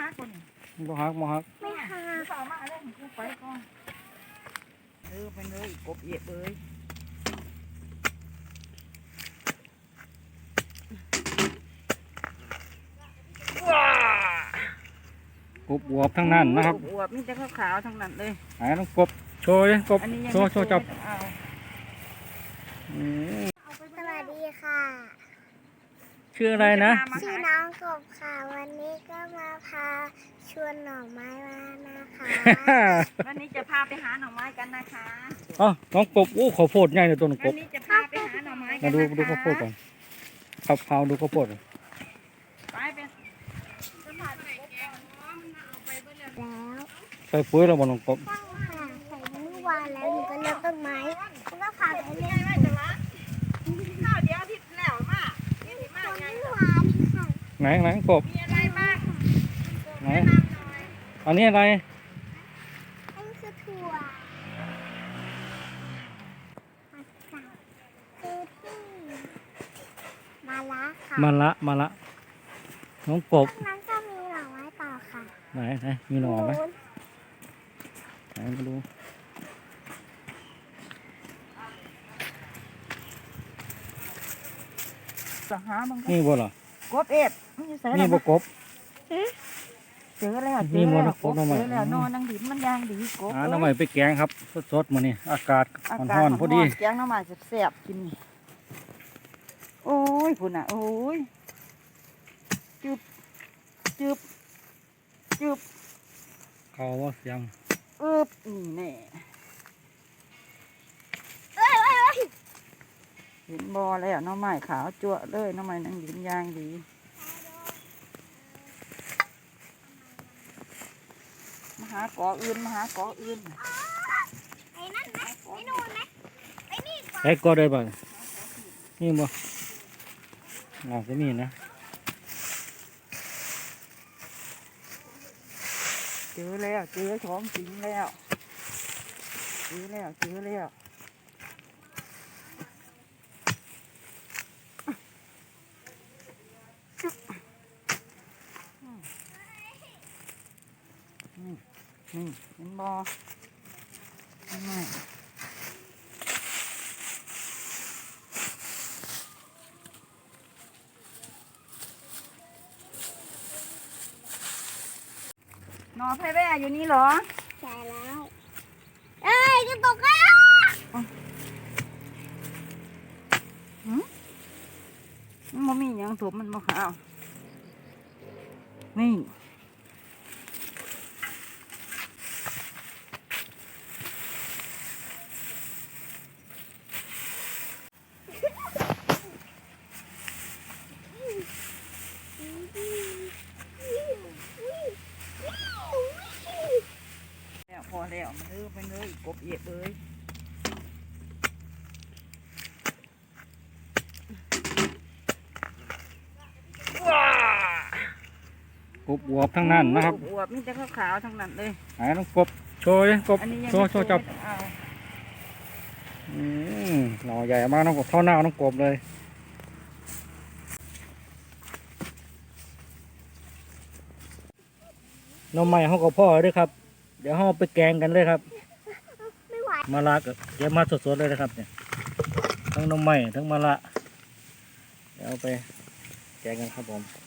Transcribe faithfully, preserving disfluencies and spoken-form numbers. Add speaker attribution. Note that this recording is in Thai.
Speaker 1: ฮักคนนี้
Speaker 2: บ่ฮักบ่ฮัก
Speaker 3: ไม่หา
Speaker 1: ต่อมาเรื่องกูไปก่อนเออไปเลยกบเอียบเลยว้าก
Speaker 2: บอวบทั้งนั้นนะครับ
Speaker 1: อวบมีแต่ขาวๆทั้งนั้นเลย
Speaker 2: ไหนน้องกบโชว์ดิกบ
Speaker 1: อันนี้ยัง
Speaker 2: โชว์โชว์จับ
Speaker 1: เอา
Speaker 2: อืม
Speaker 3: สวัสดีค่ะ
Speaker 2: ชื่ออะไรนะ
Speaker 3: ชื่อน้องกบค่ะ วันนี้ก็มาพาชวนหน่อไม้มานะคะ
Speaker 1: วันนี้จะพาไปหาหน่อไม้กันนะคะ
Speaker 2: อ๋อน้องกบโอ้ข้าวโพดใหญ่เลยตัวน้องก
Speaker 1: วัน
Speaker 2: บ
Speaker 1: นี้จะพาไปหาหน่อไม้กั
Speaker 2: มาน ดู
Speaker 1: นะคะ
Speaker 2: ดูข้าวโพดก่อนขับเผาดูข้าวโพดก่อน
Speaker 1: ไปเป็น
Speaker 3: แล้ว
Speaker 2: ใส่ปุ๋ยแล้วบ่น้องกบ
Speaker 3: ตั้งค่ะใส่เมื่อวานแล้วหนูก็เลือกต้นไม้แล้วก็พาไปเล่น
Speaker 1: ไม่จะละข้าวเดียวที่แล้วมากนี่ที่มากไง
Speaker 3: เมื่อวานค่ะ
Speaker 2: ไหนไหนกบ
Speaker 1: มีอะไรบ้าง
Speaker 2: ไหนอันนี้อะไร
Speaker 3: อันนี้คือถั่วผักกาดคือที่มาละค่ะ
Speaker 2: มาละมาละน้องกบ
Speaker 3: ตรงนั้นก็มีหน่อไม้ต่อค่ะ
Speaker 2: ไหนไหนมีหน่อไหมไหนมาดู
Speaker 1: จะหาบาง
Speaker 2: นี่บ่เหรอก
Speaker 1: บเอฟมันอยู่ใส่
Speaker 2: นี่บ่กบ
Speaker 1: เจอแล้วเจ
Speaker 2: นี่
Speaker 1: อ
Speaker 2: บ่
Speaker 1: แล้ว
Speaker 2: นะกบน้องใหม่
Speaker 1: เจอแล้วนอนนังดิบมันยางดีกบ
Speaker 2: อ่าน้ำใหม่ไปแกงครับสดๆมานี่อากาศ
Speaker 1: อา
Speaker 2: ร้
Speaker 1: กาศ
Speaker 2: อนๆพอดี
Speaker 1: แกงน้ำมันแซ่บๆกินนี่โอ้ยพุ่นอ่ะโอ้ยจุบจุบจุบ
Speaker 2: เขาว่าเสียง
Speaker 1: อึบนี่แน่
Speaker 3: เอ้ยเอ้ยเอ้ย
Speaker 1: เห็นบอแล้วหน้ำไม้ขาวจั่วเลยหน้ำไม้นังดิบยางดีมาหากออื่นมาหากออื่น
Speaker 3: ไอ้นั่นไหมไอ้นู่นไหมไอ้นี่ก่อน
Speaker 2: ไอ้ก็ได้บ่นี่บ่น่าจะมีนะ
Speaker 1: เจอแล้วเจอของจริงแล้วเจอแล้วเจอแล้วนี่นี่เห็นบอนี่นอนไพ่แว่อยู่นี่เหรอ
Speaker 3: ใช่แล้ว เอ้ยกระตกแล้ว
Speaker 1: มันบ่มีหยังถูกมันบ่ขาวนี่แล้วพอแล้วมันเออไปเลยกบเอียบเลย
Speaker 2: กบอวบทั้งนั้นนะครับ
Speaker 1: อวบมีแต่ขาวๆทั้งนั้นเลย
Speaker 2: ไหนน้องกบโชว์ดิกบ
Speaker 1: อันนี้ยัง
Speaker 2: โชว์โชว์จับ
Speaker 1: ไม่เอา
Speaker 2: อืมหน่อใหญ่มากน้องกบเท่าหน้าน้องกบเลยน้องใหม่เขากับพ่อด้วยครับ เดี๋ยวเขาไปแกงกันเลยครับ
Speaker 3: ไม่ไหว
Speaker 2: มะระกับเดี๋ยวมาสดๆเลยนะครับเนี่ยทั้งน้องใหม่ทั้งมะระเดี๋ยวเอาไปแกงกันครับผม